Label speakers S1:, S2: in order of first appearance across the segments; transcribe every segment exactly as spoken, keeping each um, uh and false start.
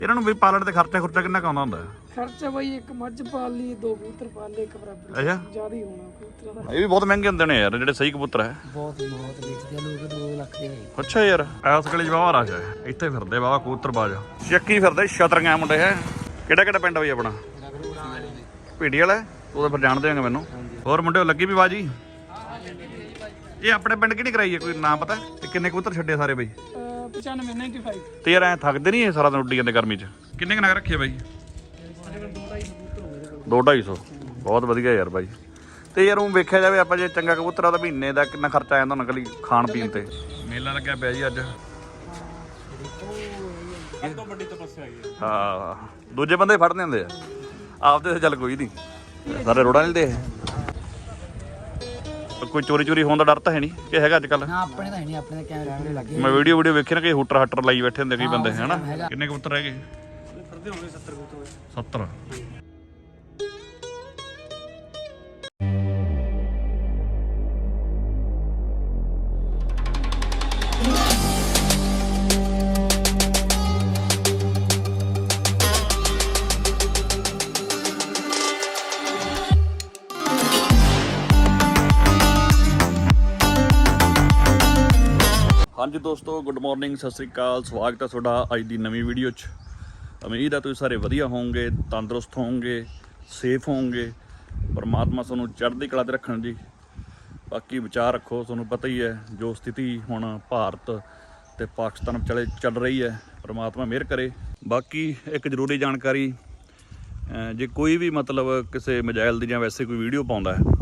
S1: ਇਹਨਾਂ ਨੂੰ ਵੀ ਪਾਲਣ ਤੇ ਖਰਚਾ ਖੁਰਚਾ ਕਿੰਨਾ ਕੁ ਆਉਂਦਾ ਹੁੰਦਾ?
S2: ਖਰਚਾ ਬਾਈ ਇੱਕ ਮੱਝ ਪਾਲ ਲਈ, ਦੋ ਕਬੂਤਰ ਪਾਲ ਲਏ, ਇੱਕ ਬਰਾਬਰ
S1: ਅੱਛਾ
S2: ਜ਼ਿਆਦਾ ਹੀ ਹੋਣਾ ਕਬੂਤਰਾਂ ਦਾ।
S1: ਇਹ ਵੀ ਬਹੁਤ ਮਹਿੰਗੇ ਹੁੰਦੇ ਨੇ ਯਾਰ ਜਿਹੜੇ ਸਹੀ ਕਬੂਤਰ ਹੈ।
S2: ਬਹੁਤ ਬਹੁਤ ਵੇਚਦੇ ਆ ਲੋਕ, ਦੋ ਲੱਖ ਦੇ ਭਾਈ।
S1: ਅੱਛਾ ਯਾਰ ਐਸ ਗਲੀ 'ਚ ਬਾਵਾ ਰਸ਼ ਹੈ, ਇੱਥੇ ਫਿਰਦੇ ਬਾਵਾ ਕਬੂਤਰਬਾਜ਼ ਚੱਕੀ ਫਿਰਦੇ ਛਤਰੀਆਂ ਮੁੰਡੇ ਹੈ। ਕਿਹੜਾ ਕਿਹੜਾ ਪਿੰਡ ਬਈ ਆਪਣਾ? ਭੀੜੀ ਵਾਲਾ। ਉਹ ਤਾਂ ਫਿਰ ਜਾਣਦੇ ਹੋਗੇ ਮੈਨੂੰ। ਹੋਰ ਮੁੰਡੇ ਲੱਗੀ ਵੀ ਬਾਜੀ? ਇਹ ਆਪਣੇ ਪਿੰਡ ਕਿਹੜੀ ਕਰਾਈ ਹੈ, ਕੋਈ ਨਾਮ ਪਤਾ? ਤੇ ਕਿੰਨੇ ਕਬੂਤਰ ਛੱਡੇ ਸਾਰੇ ਬਈ?
S2: ਪਚਾਨਵੇਂ ਨਾਈਨਟੀ ਫਾਈਵ।
S1: ਤੇ ਯਾਰ ਐ ਥੱਕਦੇ ਨਹੀਂ ਇਹ ਸਾਰਾ ਦਿਨ ਉੱਡੀ ਜਾਂਦੇ ਗਰਮੀ 'ਚ? ਕਿੰਨੇ ਕੁ ਨਗ ਰੱਖੇ ਬਾਈ? ਦੋ ਢਾਈ ਸੌ। ਬਹੁਤ ਵਧੀਆ ਯਾਰ ਬਾਈ। ਤੇ ਯਾਰ ਉਹ ਵੇਖਿਆ ਜਾਵੇ ਆਪਾਂ ਜੇ ਚੰਗਾ ਕਬੂਤਰ ਆ ਤਾਂ ਮਹੀਨੇ ਦਾ ਕਿੰਨਾ ਖਰਚਾ ਆ ਜਾਂਦਾ ਨਕਲੀ ਖਾਣ ਪੀਣ ਤੇ? ਮੇਲਾ ਲੱਗਿਆ ਪਿਆ ਜੀ ਅੱਜ। ਹਾਂ ਦੂਜੇ ਬੰਦੇ ਫੜਦੇ ਹੁੰਦੇ ਆ, ਆਪਦੇ ਚੱਲ ਕੋਈ ਨਹੀਂ। ਸਾਰੇ ਰੋੜਾ ਨਹੀਂ ਦੇ। ਕੋਈ ਚੋਰੀ ਚੋਰੀ ਹੋਣ ਦਾ ਡਰ ਤਾਂ ਹੈ ਨਹੀਂ ਕਿ ਹੈਗਾ ਅੱਜ ਕੱਲ?
S2: ਨਾ ਆਪਣੇ ਤਾਂ ਹੈ ਨਹੀਂ, ਆਪਣੇ ਕੈਮਰੇ ਪੂਰੇ ਲੱਗੇ।
S1: ਮੈਂ ਵੀਡੀਓ ਵੀਡੀਓ ਵੇਖੀ ਨਾ ਕਿ ਹੂਟਰ ਹੱਟਰ ਲਾਈ ਬੈਠੇ ਹੁੰਦੇ ਕਈ ਬੰਦੇ ਹੈ ਨਾ। ਕਿੰਨੇ ਕਬੂਤਰ ਰਹਿ ਗਏ?
S2: ਫਿਰਦੇ ਹੋਣਗੇ ਸੱਤਰ ਕਬੂਤਰ।
S1: ਸੱਤਰ। ਹਾਂਜੀ ਦੋਸਤੋ, ਗੁੱਡ ਮਾਰਨਿੰਗ, ਸਤਿ ਸ੍ਰੀ ਅਕਾਲ। ਸਵਾਗਤ ਹੈ ਤੁਹਾਡਾ ਅੱਜ ਦੀ ਨਵੀਂ ਵੀਡੀਓ 'ਚ। ਉਮੀਦ ਹੈ ਤੁਸੀਂ ਸਾਰੇ ਵਧੀਆ ਹੋਵੋਗੇ, ਤੰਦਰੁਸਤ ਹੋਵੋਗੇ, ਸੇਫ ਹੋਵੋਗੇ। ਪਰਮਾਤਮਾ ਤੁਹਾਨੂੰ ਚੜ੍ਹਦੀ ਕਲਾ 'ਤੇ ਰੱਖਣ ਜੀ। ਬਾਕੀ ਵਿਚਾਰ ਰੱਖੋ, ਤੁਹਾਨੂੰ ਪਤਾ ਹੀ ਹੈ ਜੋ ਸਥਿਤੀ ਹੁਣ ਭਾਰਤ ਅਤੇ ਪਾਕਿਸਤਾਨ ਵਿਚਾਲੇ ਚੱਲ ਰਹੀ ਹੈ। ਪਰਮਾਤਮਾ ਮਿਹਰ ਕਰੇ। ਬਾਕੀ ਇੱਕ ਜ਼ਰੂਰੀ ਜਾਣਕਾਰੀ, ਜੇ ਕੋਈ ਵੀ ਮਤਲਬ ਕਿਸੇ ਮੋਬਾਈਲ ਦੀ ਜਾਂ ਵੈਸੇ ਕੋਈ ਵੀਡੀਓ ਪਾਉਂਦਾ ਹੈ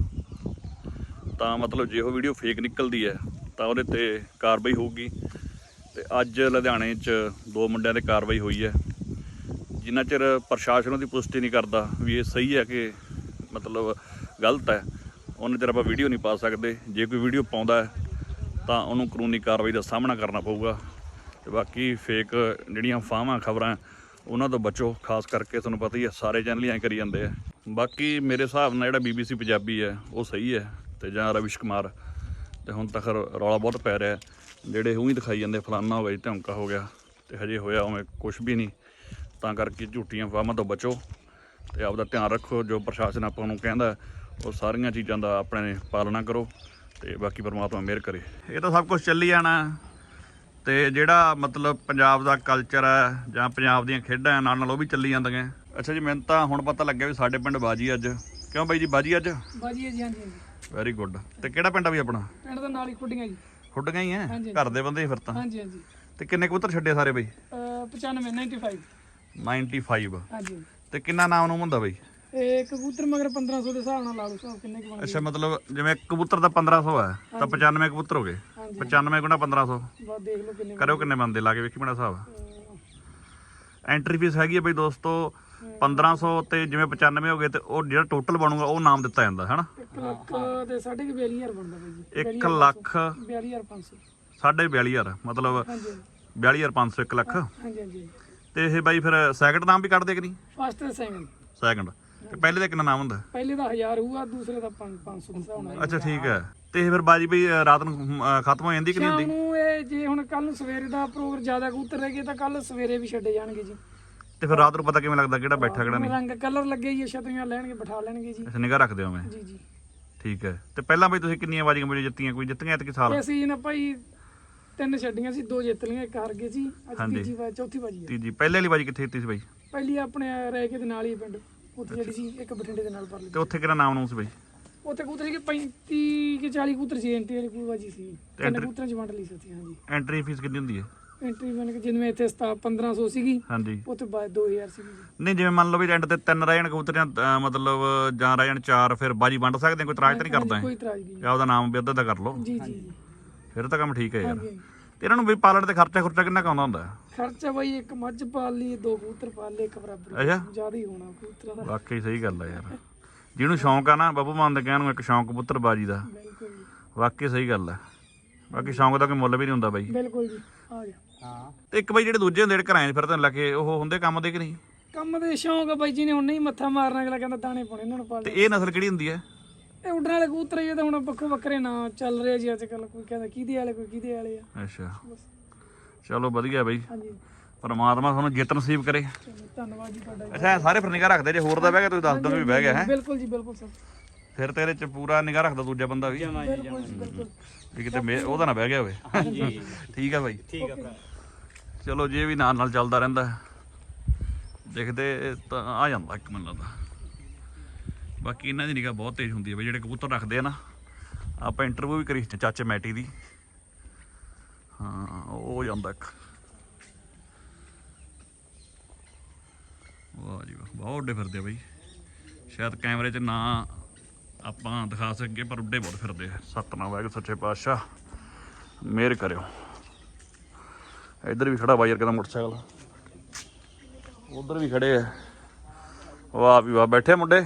S1: ਤਾਂ ਮਤਲਬ ਜੇ ਉਹ ਵੀਡੀਓ ਫੇਕ ਨਿਕਲਦੀ ਹੈ ਤਾਂ ਉਹਦੇ 'ਤੇ ਕਾਰਵਾਈ ਹੋਊਗੀ। ਅਤੇ ਅੱਜ ਲੁਧਿਆਣੇ 'ਚ ਦੋ ਮੁੰਡਿਆਂ 'ਤੇ ਕਾਰਵਾਈ ਹੋਈ ਹੈ। ਜਿੰਨਾ ਚਿਰ ਪ੍ਰਸ਼ਾਸਨ ਉਹਦੀ ਪੁਸ਼ਟੀ ਨਹੀਂ ਕਰਦਾ ਵੀ ਇਹ ਸਹੀ ਹੈ ਕਿ ਮਤਲਬ ਗਲਤ ਹੈ, ਉਹਨਾਂ ਚਿਰ ਆਪਾਂ ਵੀਡੀਓ ਨਹੀਂ ਪਾ ਸਕਦੇ। ਜੇ ਕੋਈ ਵੀਡੀਓ ਪਾਉਂਦਾ ਹੈ ਤਾਂ ਉਹਨੂੰ ਕਾਨੂੰਨੀ ਕਾਰਵਾਈ ਦਾ ਸਾਹਮਣਾ ਕਰਨਾ ਪਊਗਾ। ਅਤੇ ਬਾਕੀ ਫੇਕ ਜਿਹੜੀਆਂ ਅਫਵਾਹਾਂ ਖਬਰਾਂ ਉਹਨਾਂ ਤੋਂ ਬਚੋ। ਖਾਸ ਕਰਕੇ ਤੁਹਾਨੂੰ ਪਤਾ ਹੀ ਹੈ ਸਾਰੇ ਚੈਨਲ ਹੀ ਐਂ ਕਰੀ ਜਾਂਦੇ ਆ। ਬਾਕੀ ਮੇਰੇ ਹਿਸਾਬ ਨਾਲ ਜਿਹੜਾ ਬੀ ਬੀ ਸੀ ਪੰਜਾਬੀ ਹੈ ਉਹ ਸਹੀ ਹੈ, ਅਤੇ ਜਾਂ ਰਵਿਸ਼ ਕੁਮਾਰ। ਅਤੇ ਹੁਣ ਤੱਕ ਰੌਲਾ ਬਹੁਤ ਪੈ ਰਿਹਾ, ਜਿਹੜੇ ਉਹੀ ਦਿਖਾਈ ਜਾਂਦੇ ਫਲਾਨਾ ਹੋ ਗਿਆ ਜੀ, ਧਮਕਾ ਹੋ ਗਿਆ, ਅਤੇ ਹਜੇ ਹੋਇਆ ਉਵੇਂ ਕੁਛ ਵੀ ਨਹੀਂ। ਤਾਂ ਕਰਕੇ ਝੂਠੀਆਂ ਅਫਵਾਹਾਂ ਤੋਂ ਬਚੋ ਅਤੇ ਆਪਦਾ ਧਿਆਨ ਰੱਖੋ। ਜੋ ਪ੍ਰਸ਼ਾਸਨ ਆਪਾਂ ਨੂੰ ਕਹਿੰਦਾ ਉਹ ਸਾਰੀਆਂ ਚੀਜ਼ਾਂ ਦਾ ਆਪਣੇ ਪਾਲਣਾ ਕਰੋ। ਅਤੇ ਬਾਕੀ ਪਰਮਾਤਮਾ ਮਿਹਰ ਕਰੇ। ਇਹ ਤਾਂ ਸਭ ਕੁਛ ਚੱਲੀ ਜਾਣਾ। ਅਤੇ ਜਿਹੜਾ ਮਤਲਬ ਪੰਜਾਬ ਦਾ ਕਲਚਰ ਹੈ ਜਾਂ ਪੰਜਾਬ ਦੀਆਂ ਖੇਡਾਂ ਨਾਲ ਨਾਲ ਉਹ ਵੀ ਚੱਲੀ ਜਾਂਦੀਆਂ। ਅੱਛਾ ਜੀ, ਮੈਨੂੰ ਤਾਂ ਹੁਣ ਪਤਾ ਲੱਗਿਆ ਵੀ ਸਾਡੇ ਪਿੰਡ ਬਾਜੀ ਅੱਜ। ਕਿਉਂ ਬਾਈ ਜੀ ਬਾਜੀ ਅੱਜ? ਬਾਜੀ ਹੈ ਜੀ। ਹਾਂਜੀ ਹਾਂਜੀ। Very good. ਤੇ ਕਿਹੜਾ ਪਿੰਡ ਆ ਵੀ ਆਪਣਾ? ਪਿੰਡ ਦਾ ਨਾਲ ਹੀ ਖੁੱਡੀਆਂ ਜੀ। ਖੁੱਡੀਆਂ ਹੀ ਹੈ, ਘਰ ਦੇ ਬੰਦੇ ਫਿਰ ਤਾਂ। ਹਾਂਜੀ ਹਾਂਜੀ। ਤੇ ਕਿੰਨੇ ਕਬੂਤਰ ਛੱਡੇ ਸਾਰੇ ਬਈ? ਪਚਾਨਵੇਂ ਨਾਈਨਟੀ ਫਾਈਵ। Ninety five. ਹਾਂਜੀ। ਤੇ ਕਿੰਨਾ ਨਾਮ ਨੂੰ ਹੁੰਦਾ ਬਈ? ਇਹ ਕਬੂਤਰ ਮਗਰ ਪੰਦਰਾਂ ਸੌ ਦੇ ਹਿਸਾਬ ਨਾਲ ਲਾ ਲਓ ਹਿਸਾਬ ਕਿੰਨੇ ਕੁ ਬਣਦੇ। ਅੱਛਾ, ਮਤਲਬ ਜਿਵੇਂ ਕਬੂਤਰ ਦਾ ਪੰਦਰਾਂ ਸੌ ਹੈ ਤਾਂ ਪਚਾਨਵੇਂ ਕਬੂਤਰ ਹੋ ਗਏ। ਪਚਾਨਵੇਂ ਗੁਣਾ ਪੰਦਰਾਂ ਸੌ। ਬਸ ਦੇਖ ਲਓ ਕਿੰਨੇ ਕਰਿਓ, ਕਿੰਨੇ ਬਣਦੇ ਲਾ ਕੇ ਵੇਖੀ ਮੇਰਾ ਹਿਸਾਬ। ਐਂਟਰੀ ਫੀਸ ਹੈਗੀ ਹੈ ਬਈ ਦੋਸਤੋ ਪੰਦਰਾਂ ਸੌ, ਤੇ ਜਿਵੇਂ ਪਚਾਨਵੇਂ ਹੋ ਗਏ ਤੇ ਉਹ ਜਿਹੜਾ ਟੋਟਲ ਬਣੂਗਾ ਉਹ ਨਾਮ ਦਿੱਤਾ ਜਾਂਦਾ ਹੈ ਨਾ। ਇੱਕ ਲੱਖ ਤੇ ਸਾਢੇ ਬਿਆਲੀ ਹਜ਼ਾਰ ਬਣਦਾ ਬਈ ਜੀ। ਇੱਕ ਲੱਖ ਬਿਆਲੀ ਹਜ਼ਾਰ ਪੰਜ ਸੌ। ਸਾਢੇ ਬਿਆਲੀ ਹਜ਼ਾਰ ਮਤਲਬ ਬਿਆਲੀ ਹਜ਼ਾਰ ਪੰਜ ਸੌ, ਇੱਕ ਲੱਖ। ਹਾਂਜੀ ਹਾਂਜੀ। ਤੇ ਇਹ ਬਾਈ ਫਿਰ ਸੈਕਿੰਡ ਨਾਮ ਵੀ ਕੱਢਦੇ ਕਿ ਨਹੀਂ? ਫਸਟ ਤੇ ਸੈਕਿੰਡ। ਸੈਕਿੰਡ। ਤੇ ਪਹਿਲੇ ਦਾ ਕਿੰਨਾ ਨਾਮ ਹੁੰਦਾ? ਪਹਿਲੇ ਦਾ ਹਜ਼ਾਰ ਹੋਊਗਾ, ਦੂਸਰੇ ਦਾ ਪੰਜ ਸੌ ਦਾ ਹਿਸਾਬ ਨਾਲ। ਅੱਛਾ ਠੀਕ ਹੈ। ਤੇ ਇਹ ਫਿਰ ਬਾਜੀ ਬਈ ਰਾਤ ਨੂੰ ਖਤਮ ਹੋ ਜਾਂਦੀ ਕਿ ਨਹੀਂ ਹੁੰਦੀ? ਸ਼ਾਮ ਨੂੰ ਇਹ ਜੇ ਹੁਣ ਕੱਲ ਨੂੰ ਸਵੇਰੇ ਦਾ ਪ੍ਰੋਗਰਾਮ ਜ਼ਿਆਦਾ ਕਬੂਤਰ ਰਹਿ ਗਏ ਤਾਂ ਕੱਲ ਸਵੇਰੇ ਵੀ ਛੱਡੇ ਜਾਣਗੇ ਜੀ। ਤੇ ਫਿਰ ਰਾਤ ਨੂੰ ਪਤਾ ਕਿਵੇਂ ਲੱਗਦਾ ਕਿਹੜਾ ਬੈਠਾ ਕਿਹੜਾ ਨਹੀਂ? ਰੰਗ ਕਲਰ ਲੱਗੇ ਜੀ, ਛਤਰੀਆਂ ਲੈਣਗੇ, ਬਿਠਾ ਲੈਣਗੇ ਜੀ। ਅੱਛਾ, ਨਿਗਾਹ ਰੱਖਦੇ ਹੋ ਮੈਂ? ਜੀ ਜੀ। ਠੀਕ ਹੈ। ਤੇ ਪਹਿਲਾਂ ਬਈ ਤੁਸੀਂ ਕਿੰਨੀਆਂ ਬਾਜੀਆਂ ਮੇਰੀ ਜਿੱਤੀਆਂ? ਕੋਈ ਜਿੱਤੀਆਂ ਐਤਕੀ ਸਾਲ? ਅਸੀਂ ਨਾ ਭਾਈ ਤਿੰਨ ਛੱਡੀਆਂ ਸੀ, ਦੋ ਜਿੱਤ ਲਈਆਂ, ਇੱਕ ਹਾਰ ਗਏ ਸੀ। ਅੱਜ ਤੀਜੀ ਵਾਰ ਚੌਥੀ ਬਾਜੀ ਹੈ। ਤੀਜੀ। ਪਹਿਲੇ ਵਾਲੀ ਬਾਜੀ ਕਿੱਥੇ ਜਿੱਤੀ ਸੀ ਬਾਈ? ਪਹਿਲੀ ਆਪਣੇ ਰਹਿ ਕੇ ਦੇ ਨਾਲ ਹੀ ਪਿੰਡ ਉੱਥੇ ਜਿਹੜੀ ਸੀ, ਇੱਕ ਬਠਿੰਡੇ ਦੇ ਨਾਲ ਪਰ ਲਈ। ਤੇ ਉੱਥੇ ਕਿਹੜਾ ਨਾਮ ਨੂੰ ਸੀ ਬਾਈ? ਉੱਥੇ ਕਬੂਤਰ ਸੀ ਪੈਂਤੀ ਕਿ ਚਾਲੀ ਕਬੂਤਰ ਸੀ। ਐਂਟਰੀ ਵਾਲੀ ਬਾਜੀ ਸੀ, ਤਿੰਨ ਕਬੂਤਰਾਂ ਚ ਵੰਡ ਲਈ ਸੀ। ਹਾਂਜੀ। ਐਂਟਰੀ ਫੀਸ ਕਿੰਨੀ ਹੁੰਦੀ ਹੈ? ਐਂਟਰੀ ਬਣ ਕੇ ਜਿਵੇਂ ਇੱਥੇ ਪੰਦਰਾਂ ਸੌ ਸੀਗੀ। ਹਾਂਜੀ। ਉੱਥੇ ਬਾਅਦ ਦੋ ਹਜ਼ਾਰ ਸੀਗੀ। ਨਹੀਂ ਜਿਵੇਂ ਮੰਨ ਲਓ ਵੀ ਐਂਡ ਤੇ ਤਿੰਨ ਰਹਿ ਜਾਣ ਕਬੂਤਰ ਜਾਂ ਮਤਲਬ ਜਾਂ ਰਹਿ ਜਾਣ ਚਾਰ, ਫਿਰ ਬਾਜੀ ਵੰਡ ਸਕਦੇ? ਕੋਈ ਇਤਰਾਜ਼ ਤਾਂ ਨਹੀਂ ਕਰਦਾ? ਕੋਈ ਇਤਰਾਜ਼ ਨਹੀਂ। ਆਪਦਾ ਨਾਮ ਵੀ ਅੱਧਾ ਦਾ ਕਰ ਲਓ। ਜੀ ਜੀ। ਫਿਰ ਤਾਂ ਕੰਮ ਠੀਕ ਹੈ ਯਾਰ। ਤੇ ਇਹਨਾਂ ਨੂੰ ਵੀ ਪਾਲਣ ਤੇ ਖਰਚਾ ਖੁਰਚਾ ਕਿੰਨਾ ਕੁ ਆਉਂਦਾ ਹੁੰਦਾ? ਖਰਚਾ ਬਾਈ ਇੱਕ ਮੱਝ ਪਾਲ ਲਈ, ਦੋ ਕਬੂਤਰ ਪਾਲ ਲਏ, ਇੱਕ ਬਰਾਬਰ। ਅੱਛਾ, ਜ਼ਿਆਦਾ ਹੀ ਹੋਣਾ ਕਬੂਤਰਾਂ ਦਾ। ਵਾਕਈ ਸਹੀ ਗੱਲ ਹੈ ਯਾਰ। ਜਿਹਨੂੰ ਸ਼ੌਂਕ ਆ ਨਾ ਬੱਬੂ ਮਾਨ ਦੇ ਕਹਿਣ ਨੂੰ, ਇੱਕ ਸ਼ੌਂਕ ਕਬੂਤਰ ਬਾਜੀ ਦਾ। ਬਿਲਕੁਲ। ਵਾਕਈ ਸਹੀ ਗੱਲ ਹੈ। ਬਾਕੀ ਸ਼ੌਂਕ ਦਾ ਕੋਈ ਮੁੱਲ ਵੀ ਨਹੀਂ ਹੁੰਦਾ ਬਾਈ। ਬਿਲਕੁਲ ਜੀ। ਆ ਗਿਆ। ਹਾਂ। ਤੇ ਇੱਕ ਬਾਈ ਜਿਹੜੇ ਦੂਜੇ ਹੁੰਦੇ ਜਿਹੜੇ ਘਰਾਂ 'ਚ ਫਿਰਦੇ ਲੱਗੇ, ਉਹ ਹੁੰਦੇ ਕੰਮ ਦੇ ਕਿ ਨਹੀਂ? ਕੰਮ ਦੇ ਸ਼ੌਂਕ ਆ ਬਾਈ ਜੀ ਨੇ, ਹੁਣ ਨਹੀਂ ਮੱਥਾ ਮਾਰਨਾ, ਅਗਲਾ ਕਹਿੰਦਾ ਦਾਣੇ ਪਾਉਣੇ ਇਹਨਾਂ ਨੂੰ ਪਾਲ। ਤੇ ਇਹ ਨਸਲ ਕਿਹੜੀ ਹੁੰਦੀ ਹੈ? ਇਹ ਉੱਡਣ ਵਾਲੇ ਕਬੂਤਰ ਹੀ ਤਾਂ ਹੁਣ ਵੱਖੋ ਵੱਖਰੇ ਨਾਂ ਚੱਲ ਰਹੇ ਜੀ ਅੱਜ ਕੱਲ। ਕੋਈ ਕਹਿੰਦਾ ਕਿਹਦੇ ਵਾਲੇ, ਕੋਈ ਕਿਹਦੇ ਵਾਲੇ ਆ। ਅੱਛਾ ਚਲੋ ਵਧੀਆ ਬਾਈ। ਹਾਂਜੀ। ਪਰਮਾਤਮਾ ਤੁਹਾਨੂੰ ਜਿੱਤ ਨਸੀਬ ਕਰੇ।
S2: ਧੰਨਵਾਦ ਜੀ ਤੁਹਾਡਾ ਜੀ।
S1: ਅੱਛਾ ਇਹ ਸਾਰੇ ਫਿਰ ਨਿਗਾਹ ਰੱਖਦੇ ਜੇ ਹੋਰ ਦਾ ਬਹਿ ਗਿਆ ਤੁਸੀਂ ਦੱਸ ਦੋ ਵੀ ਬਹਿ ਗਿਆ ਹੈ
S2: ਬਿਲਕੁਲ ਜੀ ਬਿਲਕੁਲ ਸਰ।
S1: ਫਿਰ ਤੇਰੇ ਚ ਪੂਰਾ ਨਿਗਾਹ ਰੱਖਦਾ ਦੂਜਾ ਬੰਦਾ ਵੀ
S2: ਬਿਲਕੁਲ ਜੀ ਬਿਲਕੁਲ।
S1: ਵੀ ਕਿਤੇ ਮੇ- ਉਹਦਾ ਨਾ ਬਹਿ ਗਿਆ ਹੋਵੇ। ਠੀਕ ਆ ਬਾਈ,
S3: ਠੀਕ ਆ ਭਰਾ।
S1: ਚਲੋ ਜੇ ਵੀ ਨਾਲ ਨਾਲ ਚੱਲਦਾ ਰਹਿੰਦਾ ਦੇਖਦੇ ਤਾਂ ਆ ਜਾਂਦਾ ਇੱਕ ਮੈਨੂੰ ਲੱਗਦਾ। ਬਾਕੀ ਇਹਨਾਂ ਦੀ ਨਿਗਾਹ ਬਹੁਤ ਤੇਜ਼ ਹੁੰਦੀ ਹੈ ਬਈ ਜਿਹੜੇ ਕਬੂਤਰ ਰੱਖਦੇ ਆ ਨਾ। ਆਪਾਂ ਇੰਟਰਵਿਊ ਵੀ ਕਰੀ ਸੀ ਚਾਚੇ ਮੈਟੀ ਦੀ। ਹਾਂ ਉਹ ਹੋ ਜਾਂਦਾ ਇੱਕ। ਵਾਹ ਜੀ ਵਾਹ, ਬਹੁਤ ਉੱਡੇ ਫਿਰਦੇ ਆ ਬਈ। ਸ਼ਾਇਦ ਕੈਮਰੇ 'ਚ ਨਾ ਆਪਾਂ ਦਿਖਾ ਸਕੀਏ ਪਰ ਉੱਡੇ ਬਹੁਤ ਫਿਰਦੇ ਆ। ਸਤਨਾਮ ਵਾਹਿਗੁਰੂ ਸੱਚੇ ਪਾਤਸ਼ਾਹ ਮਿਹਰ ਕਰਿਓ। ਇੱਧਰ ਵੀ ਖੜਾ ਬਾਈ ਯਾਰ ਕਹਿੰਦਾ ਮੋਟਰਸਾਈਕਲ, ਉਧਰ ਵੀ ਖੜੇ ਆ। ਵਾਹ ਵੀ ਵਾਹ, ਬੈਠੇ ਮੁੰਡੇ।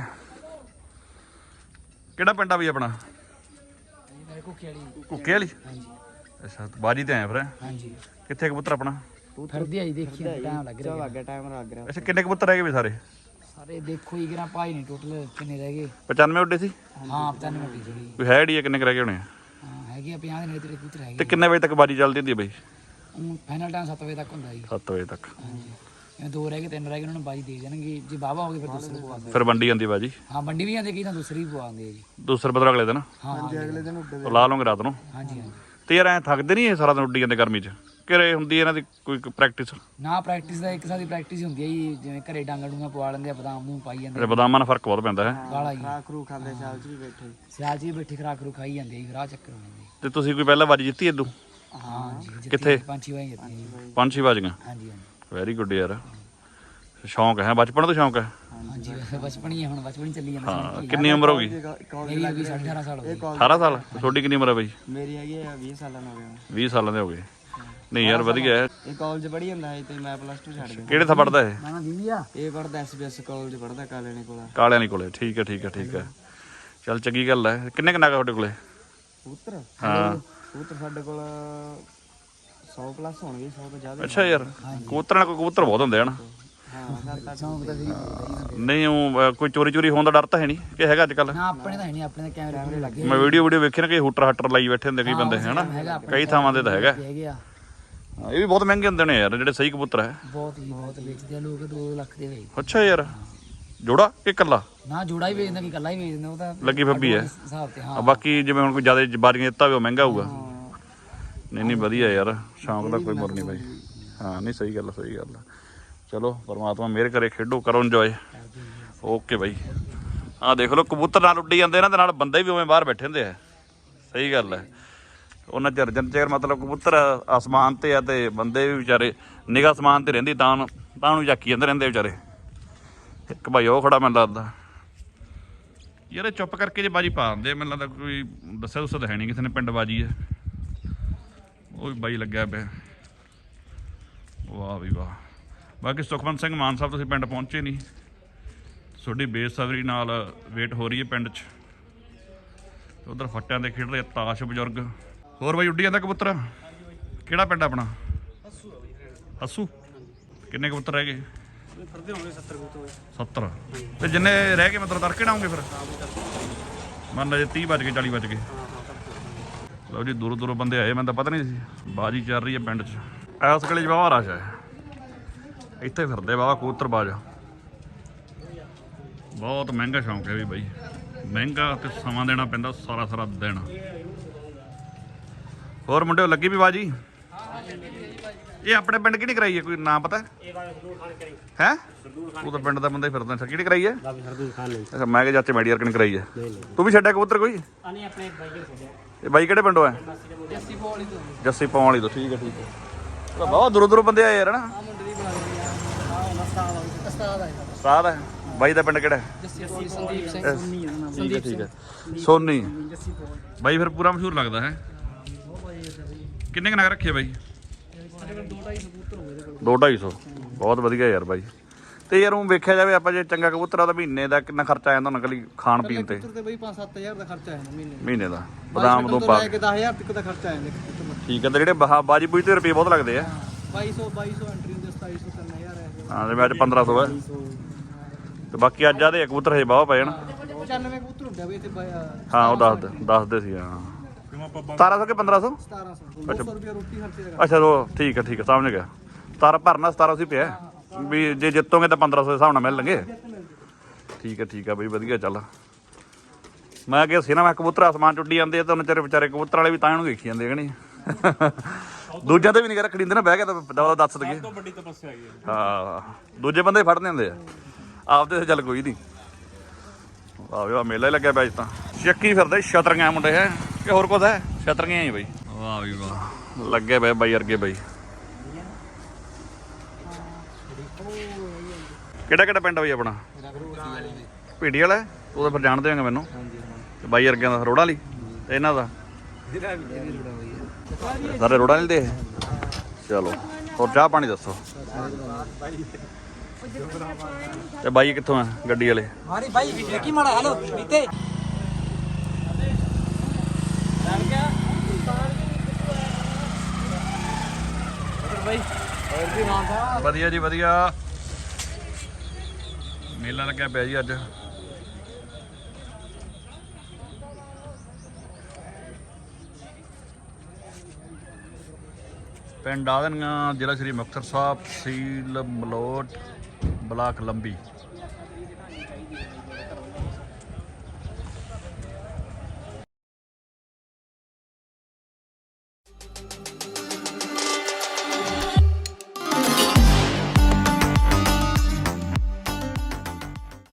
S1: ਕਿਹੜਾ ਪਿੰਡ ਆ ਬਈ ਆਪਣਾ?
S2: ਕੁੱਕੇ ਵਾਲੀ।
S1: ਕੁੱਕੇ ਵਾਲੀ? ਅੱਛਾ ਬਾਜੀ ਤੇ ਆਇਆ ਫਿਰ?
S2: ਹਾਂਜੀ।
S1: ਕਿੱਥੇ ਕਬੂਤਰ ਆਪਣਾ?
S2: ਫਿਰਦੀ ਆਈ ਦੇਖੀ ਟਾਈਮ ਲੱਗ ਰਿਹਾ।
S3: ਲੱਗ ਗਿਆ ਟਾਈਮ ਲੱਗ ਰਿਹਾ।
S1: ਅੱਛਾ ਕਿੰਨੇ ਕਬੂਤਰ ਰਹਿ ਗਏ ਵੀ ਸਾਰੇ?
S2: ਸਾਰੇ ਦੇਖੋ ਹੀ ਕਿਰਾ ਭਾਈ ਨਹੀਂ ਟੋਟਲ ਕਿੰਨੇ ਰਹਿ ਗਏ?
S1: ਪਚਾਨਵੇਂ ਉੱਡੇ ਸੀ?
S2: ਹਾਂ ਪਚਾਨਵੇਂ ਮਿੰਟ ਜਿਹੜੀ।
S1: ਕੋਈ ਹੈ ਡੀ ਕਿੰਨੇ ਕੁ ਰਹਿ ਗਏ ਹੋਣੇ?
S2: ਹਾਂ ਹੈਗੇ ਆ ਪੰਜਾਹ ਦੇ ਨੇੜੇ ਤੇਰੇ ਕਬੂਤਰ ਹੈਗੇ।
S1: ਤੇ ਕਿੰਨੇ ਵਜੇ ਤੱਕ ਬਾਜੀ ਚੱਲਦੀ ਹੁੰਦੀ ਹੈ ਬਈ?
S2: ਫਾਈਨਲ ਟਾਈਮ ਸੱਤ ਵਜੇ ਤੱਕ ਹੁੰਦਾ ਜੀ।
S1: ਸੱਤ ਵਜੇ ਤੱਕ।
S2: ਹਾਂਜੀ ਜਿਵੇਂ ਦੋ ਰਹਿ ਗਏ ਤਿੰਨ ਰਹਿ ਗਏ ਉਹਨਾਂ ਨੂੰ ਬਾਜੀ ਦੇ ਦੇਣਗੇ। ਜੇ ਬਾਵਾ ਹੋ ਗਏ ਫਿਰ ਦੂਸਰੇ ਪਵਾ ਦਿੰਦੇ।
S1: ਫਿਰ ਵੰਡੀ ਜਾਂਦੀ ਬਾਜੀ?
S2: ਹਾਂ ਵੰਡੀ ਵੀ ਜਾਂਦੇ ਕਈ ਤਾਂ ਦੂਸਰੀ ਵੀ ਪਵਾਉਂਦੇ ਆ ਜੀ।
S1: ਦੂਸਰੇ ਬਦਲ ਅਗਲੇ ਦਿਨ?
S2: ਹਾਂ
S3: ਅਗਲੇ ਦਿਨ ਉੱਡੇ
S1: ਉਹ ਲਾ ਲਓਗੇ ਰਾਤ ਨੂੰ?
S2: ਹਾਂਜੀ ਹਾਂਜੀ।
S1: ਤੇ ਯਾਰ ਐ ਥੱਕਦੇ ਨਹੀਂ ਇਹ ਸਾਰਾ ਦਿਨ ਉੱਡੀ ਜਾਂਦੇ ਗਰਮੀ 'ਚ? ਘਰੇ ਹੁੰਦੀ ਇਹਨਾਂ ਦੀ ਕੋਈ ਪ੍ਰੈਕਟਿਸ?
S2: ਨਾ ਪ੍ਰੈਕਟਿਸ ਦਾ ਇੱਕ ਸਾਡੀ ਪ੍ਰੈਕਟਿਸ ਹੀ ਹੁੰਦੀ ਹੈ ਜੀ। ਜਿਵੇਂ ਘਰੇ ਡਾਂਗਾ ਡੂੰਗਾ ਪਵਾ ਲੈਂਦੇ ਆ, ਬਦਾਮ ਨੂੰ ਪਾਈ ਜਾਂਦੇ
S1: ਬਦਾਮਾਂ ਨਾਲ ਫਰਕ ਬਹੁਤ ਪੈਂਦਾ ਹੈ।
S2: ਗਾਲਾ ਜੀ।
S3: ਖਰਾਕ ਰੂ ਖਾਂਦੇ ਸਾਲ ਚ ਵੀ ਬੈਠੇ।
S2: ਸਿਆਲ ਜੀ ਬੈਠੀ ਖਰਾਕ ਰੂ ਖਾਈ ਜਾਂਦੇ ਜੀ। ਰਾਹ ਚੱਕਰ ਹੋ ਜਾਂਦੇ।
S1: ਤੇ ਤੁਸੀਂ ਕੋਈ ਪਹਿਲਾਂ ਬਾਜੀ ਜਿੱਤੀ ਇਦੋਂ?
S2: ਹਾਂ ਜੀ।
S1: ਕਿੱਥੇ?
S2: ਪੰਜ ਛੇ ਵਾਰੀ ਜਿੱਤੀ ਜੀ।
S1: ਪੰਜ ਛੇ ਬਾਜੀਆਂ?
S2: ਹਾਂਜੀ ਹਾਂਜੀ।
S1: ਵੈਰੀ ਗੁੱਡ ਯਾਰ। ਸ਼ੌਂਕ ਹੈ ਬਚਪਨ ਤੋਂ ਸ਼ੌਂਕ ਹੈ?
S2: ਹਾਂਜੀ ਵੈਸੇ ਬਚਪਨ ਹੀ ਹੈ ਹੁਣ। ਬਚਪਨ ਹੀ ਚੱਲੀ ਜਾਂਦਾ
S1: ਹਾਂ ਕਿੰਨੀ ਉਮਰ ਹੋ ਗਈ?
S2: ਮੇਰੀ ਵੀ ਸਾਢੇ ਅਠਾਰਾਂ ਸਾਲ ਹੋ ਗਏ।
S1: ਅਠਾਰਾਂ ਸਾਲ? ਤੁਹਾਡੀ ਕਿੰਨੀ ਉਮਰ ਹੈ ਬਈ?
S3: ਮੇਰੀ ਹੈਗੀ ਆ ਵੀਹ ਸਾਲਾਂ ਨੂੰ ਹੋ ਗਿਆ।
S1: ਵੀਹ ਸਾਲਾਂ ਦੇ ਹੋ ਗਏ? ਨਹੀਂ ਯਾਰ ਵਧੀਆ ਹੈ।
S3: ਇਹ ਕਾਲਜ ਪੜ੍ਹੀ ਜਾਂਦਾ ਹੈ ਤੇ ਮੈਂ ਪਲੱਸ ਟੂ ਛੱਡ ਗਿਆ।
S1: ਕਿਹੜੇ ਥਾਂ ਪੜਦਾ ਇਹ?
S2: ਨਾ ਨਾ ਦੀਦੀ ਆ।
S3: ਇਹ ਪੜਦਾ ਐਸਬੀਐਸ ਕਾਲਜ ਪੜਦਾ ਕਾਲੇਣੀ ਕੋਲ।
S1: ਕਾਲਿਆਂ ਨਹੀਂ ਕੋਲੇ? ਠੀਕ ਹੈ ਠੀਕ ਹੈ ਠੀਕ ਹੈ। ਚੱਲ ਚੰਗੀ ਗੱਲ ਹੈ। ਕਿੰਨੇ ਕਿੰਨਾ ਤੁਹਾਡੇ ਕੋਲੇ?
S3: ਕਬੂਤਰ
S1: ਹਾਂ
S3: ਕਬੂਤਰ ਸਾਡੇ ਕੋਲ ਸੌ ਪਲੱਸ ਹੋਣਗੇ, ਸੌ ਤੋਂ ਜ਼ਿਆਦਾ।
S1: ਅੱਛਾ ਯਾਰ ਕਬੂਤਰਾਂ ਨਾਲ ਕੋਈ ਕਬੂਤਰ ਬਹੁਤ ਹੁੰਦੇ ਹਨ।
S3: ਹਾਂ ਸੱਤ ਅੱਠ।
S2: ਸ਼ੌਂਕ ਤਾਂ ਸੀ।
S1: ਨਹੀਂ ਉਹ ਕੋਈ ਚੋਰੀ ਚੋਰੀ ਹੋਣ ਦਾ ਡਰ ਤਾਂ ਹੈ ਨਹੀਂ ਕਿ ਹੈਗਾ ਅੱਜ ਕੱਲ?
S2: ਨਾ ਆਪਣੇ ਤਾਂ ਹੈ ਨਹੀਂ। ਆਪਣੇ ਤਾਂ ਕੈਮਰੇ ਕੂਮਰੇ ਲੱਗੇ
S1: ਮੈਂ ਵੀਡੀਓ ਵੀਡੀਓ ਵੇਖੀ ਨਾ ਕਿ ਹੂਟਰ ਹੱਟਰ ਲਾਈ ਬੈਠੇ ਹੁੰਦੇ ਕਈ ਬੰਦੇ ਹਨਾ। ਕਈ ਥਾਵਾਂ ਤੇ ਤਾਂ ਹੈਗਾ।
S2: ਹੈਗੇ ਆ।
S1: ਹਾਂ, ਇਹ ਵੀ ਬਹੁਤ ਮਹਿੰਗੇ ਹੁੰਦੇ ਨੇ ਯਾਰ ਜਿਹੜੇ ਸਹੀ ਕਬੂਤਰ ਹੈ।
S2: ਬਹੁਤ ਹੀ ਬਹੁਤ ਵੇਚਦੇ ਆ ਲੋਕ ਦੋ ਲੱਖ ਦੇ ਵੇਚ।
S1: ਅੱਛਾ ਯਾਰ ਜੋੜਾ ਕਿ ਇਕੱਲਾ?
S2: ਨਾ ਜੋੜਾ ਹੀ ਵੇਚਦਾ ਕਿ ਇਕੱਲਾ ਹੀ ਵੇਚਦਾ। ਉਹ ਤਾਂ
S1: ਲੱਗੀ ਫੱਬੀ ਹੈ
S2: ਹਿਸਾਬ ਤੇ। ਹਾਂ
S1: ਆ ਬਾਕੀ ਜਿਵੇਂ ਹੁਣ ਕੋਈ ਜ਼ਿਆਦਾ ਬਾਰੀਆਂ ਦਿੱਤਾ ਹੋਵੇ ਉਹ ਮਹਿੰਗਾ ਹੋਊਗਾ। ਨਹੀਂ ਨਹੀਂ ਵਧੀਆ ਯਾਰ ਸ਼ੌਂਕ ਦਾ ਕੋਈ ਮੁੱਲ ਨਹੀਂ ਬਾਈ। ਹਾਂ ਨਹੀਂ ਸਹੀ ਗੱਲ ਸਹੀ ਗੱਲ। ਚਲੋ ਪਰਮਾਤਮਾ ਮਿਹਰ ਕਰੇ, ਖੇਡੋ ਕਰੋ ਇੰਜੋਏ। ਓਕੇ ਬਾਈ। ਆਹ ਦੇਖ ਲਓ ਕਬੂਤਰ ਨਾਲ ਉੱਡੀ ਜਾਂਦੇ ਇਹਨਾਂ ਦੇ ਨਾਲ ਬੰਦੇ ਵੀ ਉਵੇਂ ਬਾਹਰ ਬੈਠੇ ਹੁੰਦੇ ਆ। ਸਹੀ ਗੱਲ ਹੈ। ਉਹਨਾਂ ਚਿਰ ਜਨ ਚਿਰ ਮਤਲਬ ਕਬੂਤਰ ਆਸਮਾਨ ਤੇ ਆ ਤੇ ਬੰਦੇ ਵੀ ਵਿਚਾਰੇ ਨਿਗਾਹ ਆਸਮਾਨ ਤੇ ਰਹਿੰਦੀ ਤਾਂ ਤਾਂ ਨੂੰ ਝਾਕੀ ਜਾਂਦੇ ਰਹਿੰਦੇ ਵਿਚਾਰੇ। ਇੱਕ ਭਾਈ ਉਹ ਖੜਾ ਮੈਨੂੰ ਲੱਗਦਾ ਯਾਰ। ਇਹ ਚੁੱਪ ਕਰਕੇ ਜੇ ਬਾਜੀ ਪਾ ਦਿੰਦੇ ਮੈਨੂੰ ਲੱਗਦਾ ਕੋਈ ਦੱਸਿਆ ਦੱਸਿਆ ਤਾਂ ਹੈ ਨਹੀਂ ਕਿਸੇ ਨੇ ਪਿੰਡ ਬਾਜੀ ਹੈ। ਉਹ ਵੀ ਬਾਈ ਲੱਗਿਆ ਪਿਆ। ਵਾਹ ਵੀ ਵਾਹ। ਬਾਕੀ ਸੁਖਵੰਤ ਸਿੰਘ ਮਾਨ ਸਾਹਿਬ ਤੁਸੀਂ ਪਿੰਡ ਪਹੁੰਚੇ ਨਹੀਂ। ਤੁਹਾਡੀ ਬੇਸਬਰੀ ਨਾਲ ਵੇਟ ਹੋ ਰਹੀ ਹੈ ਪਿੰਡ 'ਚ। ਉਧਰ ਫੱਟਿਆਂ ਦੇ ਖੇਡ ਰਹੇ ਤਾਸ਼ ਬਜ਼ੁਰਗ। ਹੋਰ ਬਾਈ ਉੱਡੀ ਜਾਂਦਾ ਕਬੂਤਰ? ਕਿਹੜਾ ਪਿੰਡ ਆਪਣਾ? ਹੱਸੂ। ਕਿੰਨੇ ਕਬੂਤਰ ਰਹਿ ਗਏ? ਸੱਤਰ। ਤੇ ਜਿੰਨੇ ਰਹਿ ਗਏ ਮਤਲਬ ਤੜਕੇ ਨਾ ਆਉਂਗੇ ਫਿਰ? ਮੰਨ ਲਾ ਜੇ ਤੀਹ ਵੱਜ ਗਏ ਚਾਲੀ ਵੱਜ ਗਏ। ਲਓ ਜੀ ਦੂਰੋਂ ਦੂਰੋਂ ਬੰਦੇ ਆਏ, ਮੈਨੂੰ ਤਾਂ ਪਤਾ ਨਹੀਂ ਸੀ ਬਾਜੀ ਚੱਲ ਰਹੀ ਹੈ ਪਿੰਡ 'ਚ। ਇਸ ਗਲੀ 'ਚ ਵਾਹਵਾ ਰਸ਼ ਹੈ। ਇੱਥੇ ਫਿਰਦੇ ਵਾਹਵਾ ਕਬੂਤਰ ਬਾਜ। ਬਹੁਤ ਮਹਿੰਗਾ ਸ਼ੌਂਕ ਹੈ ਵੀ ਬਾਈ। ਮਹਿੰਗਾ ਤੇ ਸਮਾਂ ਦੇਣਾ ਪੈਂਦਾ ਸਾਰਾ ਸਾਰਾ ਦਿਨ। ਹੋਰ ਮੁੰਡੇ ਲੱਗੀ ਵੀ ਬਾਜੀ? ਇਹ ਆਪਣੇ ਪਿੰਡ ਕਿਹੜੀ ਕਰਾਈ ਹੈ ਕੋਈ ਨਾਂ ਪਤਾ ਹੈ? ਤੂੰ ਤਾਂ ਪਿੰਡ ਦਾ ਬੰਦਾ ਹੀ ਫਿਰਦਾ। ਕਿਹੜੀ ਕਰਾਈ ਹੈ? ਅੱਛਾ ਮੈਂ ਕਿਹਾ ਚਾਚੇ ਮੈਡੀਅਰ ਕਿਹਨੇ ਕਰਾਈ ਹੈ? ਤੂੰ ਵੀ ਛੱਡਿਆ ਕਬੂਤਰ ਕੋਈ? ਇਹ ਬਾਈ ਕਿਹੜੇ ਪਿੰਡੋਂ ਹੈ?
S2: ਜੱਸੀ ਪੌਲੀ ਤੋਂ।
S1: ਜੱਸੀ ਪੌਣ ਵਾਲੀ ਤੋਂ। ਠੀਕ ਹੈ ਠੀਕ ਹੈ। ਬਹੁਤ ਦੂਰੋਂ ਦੂਰੋਂ ਬੰਦੇ ਆਏ ਯਾਰ ਨਾ। ਉਸਤਾਦ ਹੈ ਬਾਈ ਦਾ ਪਿੰਡ ਕਿਹੜਾ ਹੈ?
S2: ਸੰਦੀਪ ਸਿੰਘ।
S1: ਠੀਕ ਹੈ ਠੀਕ ਹੈ। ਸੋਨੀ ਬਾਈ ਫਿਰ ਪੂਰਾ ਮਸ਼ਹੂਰ ਲੱਗਦਾ ਹੈ। ਕਿੰਨੇ ਕੁ ਨਗ ਰੱਖੇ ਬਾਈ? ਦੋ ਢਾਈ ਸੌ। ਬਹੁਤ ਵਧੀਆ ਯਾਰ ਬਾਈ। ਤੇ ਯਾਰ ਉਹ ਵੇਖਿਆ ਜਾਵੇ ਆਪਾਂ ਜੇ ਚੰਗਾ ਕਬੂਤਰ ਆ ਤਾਂ ਮਹੀਨੇ ਦਾ ਕਿੰਨਾ ਖਰਚਾ ਆ ਜਾਂਦਾ ਨਕਲੀ ਖਾਣ ਪੀਣ ਤੇ?
S3: ਤੇ ਬਈ ਪੰਜ ਸੱਤ ਹਜ਼ਾਰ ਦਾ ਖਰਚਾ ਆ ਜਾਂਦਾ ਮਹੀਨੇ
S1: ਮਹੀਨੇ ਦਾ ਬਦਾਮ ਤੋਂ ਪਾ ਕੇ।
S3: ਦਸ ਹਜ਼ਾਰ ਤੱਕ ਦਾ ਖਰਚਾ ਆ ਜਾਂਦਾ।
S1: ਠੀਕ ਹੈ। ਤੇ ਜਿਹੜੇ ਬਾਹ ਬਾਜੀ ਬੂਜੀ ਤੇ ਰੁਪਏ ਬਹੁਤ ਲੱਗਦੇ ਆ।
S3: ਬਾਈ ਸੌ ਬਾਈ ਸੌ ਐਂਟਰੀ ਹੁੰਦੀ, ਸਤਾਈ ਸੌ ਤਿੰਨ ਹਜ਼ਾਰ ਹੈ।
S1: ਹਾਂ ਜਿਵੇਂ ਅੱਜ ਪੰਦਰਾਂ ਸੌ ਹੈ ਤੇ ਬਾਕੀ ਅੱਜ ਆਦੇ ਕਬੂਤਰ ਹਜੇ ਬਾਹ ਪਏ ਨਾ।
S3: ਪਚਾਨਵੇਂ ਕਬੂਤਰ ਹੁੰਦੇ ਬਈ ਇੱਥੇ।
S1: ਹਾਂ ਉਹ ਦੱਸਦੇ ਦੱਸਦੇ ਸੀ। ਹਾਂ ਸਤਾਰਾਂ ਸੌ ਕਿ ਪੰਦਰਾਂ ਸੌ?
S3: ਸਤਾਰਾਂ ਸੌ। ਦੋ ਸੌ ਰੁਪਏ ਰੋਟੀ ਖਰਚੇ ਦਾ।
S1: ਅੱਛਾ ਉਹ ਠੀਕ ਹੈ ਠੀਕ ਹੈ ਸਮਝ ਗਿਆ। ਸਤਾਰਾਂ ਭਰਨਾ ਸਤਾਰਾਂ ਸੀ ਪਿਆ ਵੀ ਜੇ ਜਿੱਤੋਗੇ ਤਾਂ ਪੰਦਰਾਂ ਸੌ ਦੇ ਹਿਸਾਬ ਨਾਲ ਮਿਲਣਗੇ। ਠੀਕ ਹੈ ਠੀਕ ਹੈ ਬਈ ਵਧੀਆ ਚੱਲ। ਮੈਂ ਕਿਹਾ ਸੀ ਨਾ ਮੈਂ ਕਬੂਤਰ ਆਸਮਾਨ ਚੁੱਡੀ ਜਾਂਦੇ ਆ ਤਾਂ ਉਹਨਾਂ ਚਾਰੇ ਵਿਚਾਰੇ ਕਬੂਤਰ ਵਾਲੇ ਵੀ ਤਾਂ ਇਹਨੂੰ ਵੇਖੀ ਜਾਂਦੇ ਕਿ ਨਹੀਂ। ਦੂਜਿਆਂ ਤੇ ਵੀ ਨਹੀਂ ਰੱਖੜੀ ਹੁੰਦੇ ਨਾ ਬਹਿ ਕੇ ਤਾਂ ਦਵਾ ਦੱਸ ਦਈਏ। ਹਾਂ ਦੂਜੇ ਬੰਦੇ ਫੜਨੇ ਹੁੰਦੇ ਆ ਆਪਦੇ ਤੇ ਚੱਲ ਕੋਈ ਨਹੀਂ। ਵਾਹ ਵੀ ਵਾਹ ਮੇਲਾ ਹੀ ਲੱਗਿਆ ਪਿਆ ਅੱਜ ਤਾਂ। ਚੱਕੀ ਫਿਰਦੇ ਛਤਰੀਆਂ ਮੁੰਡੇ ਹੈ ਕਿ ਹੋਰ ਕੁਝ ਹੈ? ਛਤਰੀਆਂ ਹੀ ਬਈ। ਵਾਹ ਵੀ ਵਾਹ ਲੱਗੇ ਪਏ ਬਾਈ ਅਰਗੇ ਬਾਈ। ਕਿਹੜਾ ਕਿਹੜਾ ਪਿੰਡ ਬਈ ਆਪਣਾ? ਭੀੜੀ ਵਾਲਾ ਉਹ ਤਾਂ ਫਿਰ ਜਾਣਦੇ ਹੋਗੇ ਮੈਨੂੰ। ਤੇ ਬਾਈ ਅਰਗਿਆਂ ਦਾ ਰੋੜਾ ਵਾਲੀ ਤੇ ਇਹਨਾਂ ਦਾ ਸਾਰੇ ਰੋੜਾ ਵਾਲੀ ਦੇ। ਚਲੋ ਹੋਰ ਚਾਹ ਪਾਣੀ ਦੱਸੋ। ਤੇ ਬਾਈ ਕਿੱਥੋਂ ਆ ਗੱਡੀ ਵਾਲੇ?
S2: ਮਾਰੀ ਭਾਈ ਦੇਖੀ ਮਾੜਾ ਹੈਲੋ ਬੀਤੇ
S1: ਵਧੀਆ ਜੀ ਵਧੀਆ। ਮੇਲਾ ਲੱਗਿਆ ਪਿਆ ਜੀ ਅੱਜ। ਪਿੰਡ ਆਦਨੀਆਂ, ਜ਼ਿਲ੍ਹਾ ਸ਼੍ਰੀ ਮੁਕਤਸਰ ਸਾਹਿਬ, ਤਹਿਸੀਲ ਮਲੋਟ, ਬਲਾਕ ਲੰਬੀ।